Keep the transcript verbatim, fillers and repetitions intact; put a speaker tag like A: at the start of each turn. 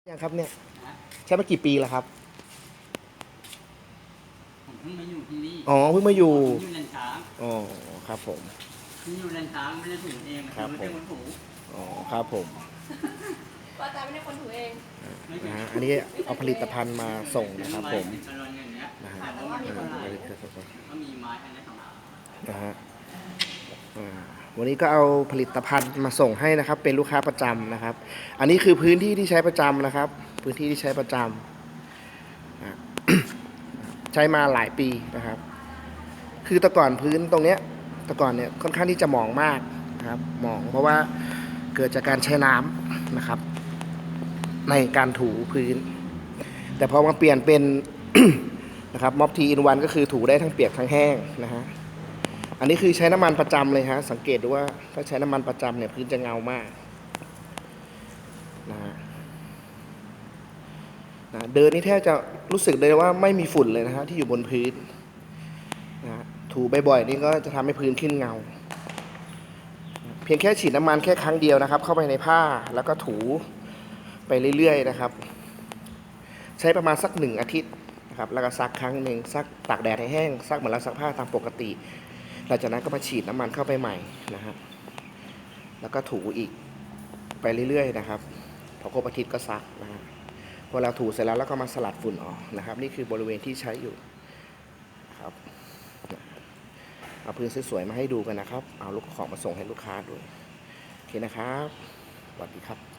A: ยังครับเนี่ยใช้มากี่ปีแล้วครับ
B: ผมเพิ่งมาอยู่ที่นี่
A: อ๋อเพิ่งมาอยู่
B: ผมอยู่เลนช้าง
A: อ๋อครับผม
B: เพิ่งอยู่เลนช้างไม่ได้ถือเอง
A: ครับ
B: ไม่
A: ผม
B: ใช่คนถู
A: อ๋อครับผม
C: ป้าจาไม่ได้คนถูเอง
A: นะฮะอันนี้เอาผลิตภัณฑ์มาส่งนะครับผมนะฮะ
B: แต่ว่ามีคนถ่ายก็มีไม้อันนี้สองอัน
A: นะฮะอ่าวันนี้ก็เอาผลิตภัณฑ์มาส่งให้นะครับเป็นลูกค้าประจำนะครับอันนี้คือพื้นที่ที่ใช้ประจำนะครับพื้นที่ที่ใช้ประจำนะใช้มาหลายปีนะครับคือแต่ก่อนพื้นตรงเนี้ยแต่ก่อนเนี่ยค่อนข้างที่จะหมองมากนะครับหมองเพราะว่าเกิดจากการใช้น้ำนะครับในการถูพื้นแต่พอมาเปลี่ยนเป็น นะครับม็อบทีอินวันก็คือถูได้ทั้งเปียกทั้งแห้งนะฮะอันนี้คือใช้น้ำมันประจำเลยฮะสังเกตดูว่าถ้าใช้น้ำมันประจำเนี่ยพื้นจะเงามากนะฮะนะเดินนี่แทบจะรู้สึกเลยว่าไม่มีฝุ่นเลยนะฮะที่อยู่บนพื้นนะฮะถูบ่อยๆนี่ก็จะทำให้พื้นขึ้นเงาเพียงแค่ฉีดน้ำมันแค่ครั้งเดียวนะครับเข้าไปในผ้าแล้วก็ถูไปเรื่อยๆนะครับใช้ประมาณสักหนึ่งอาทิตย์นะครับแล้วก็ซักครั้งหนึ่งซักตากแดดให้แห้งซักเหมือนเราซักผ้าตามปกติหลังจากนั้นก็มาฉีดน้ำมันเข้าไปใหม่นะฮะแล้วก็ถูอีกไปเรื่อยๆนะครับพอครบอาทิตย์ก็ซักนะฮะพอเราถูเสร็จแล้วแล้วก็มาสลัดฝุ่นออกนะครับนี่คือบริเวณที่ใช้อยู่ครับเอาพื้นสวยๆมาให้ดูกันนะครับเอาลูกของมาส่งให้ลูกค้าด้วยโอเคนะครับสวัสดีครับ